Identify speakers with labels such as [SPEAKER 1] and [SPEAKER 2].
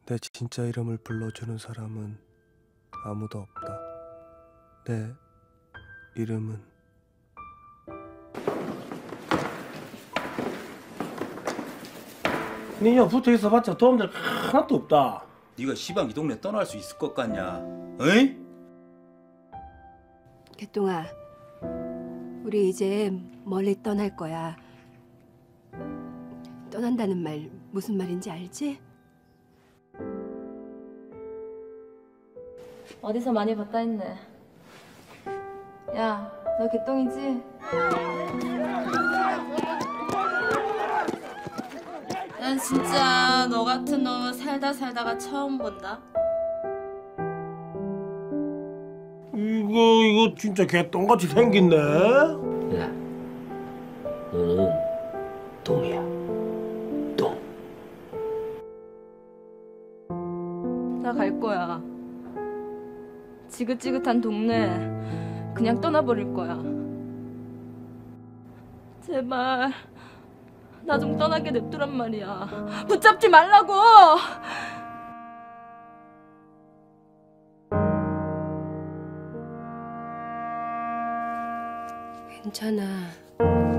[SPEAKER 1] 내 진짜 이름을 불러주는 사람은 아무도 없다. 내 이름은
[SPEAKER 2] 니냐 붙어 있어봤자 도움될 거 하나도 없다.
[SPEAKER 3] 네가 시방 이 동네 떠날 수 있을 것 같냐? 어이?
[SPEAKER 4] 개똥아, 우리 이제 멀리 떠날 거야. 떠난다는 말 무슨 말인지 알지?
[SPEAKER 5] 어디서 많이 봤다 했네. 야, 너 개똥이지? 난 진짜 너 같은 놈은 살다가 처음 본다.
[SPEAKER 2] 이거 진짜 개똥같이 생겼네.
[SPEAKER 6] 야, 너는 똥이야. 똥.
[SPEAKER 5] 나 갈 거야. 지긋지긋한 동네 그냥 떠나버릴 거야. 제발 나 좀 떠나게 냅두란 말이야. 붙잡지 말라고.
[SPEAKER 4] 괜찮아.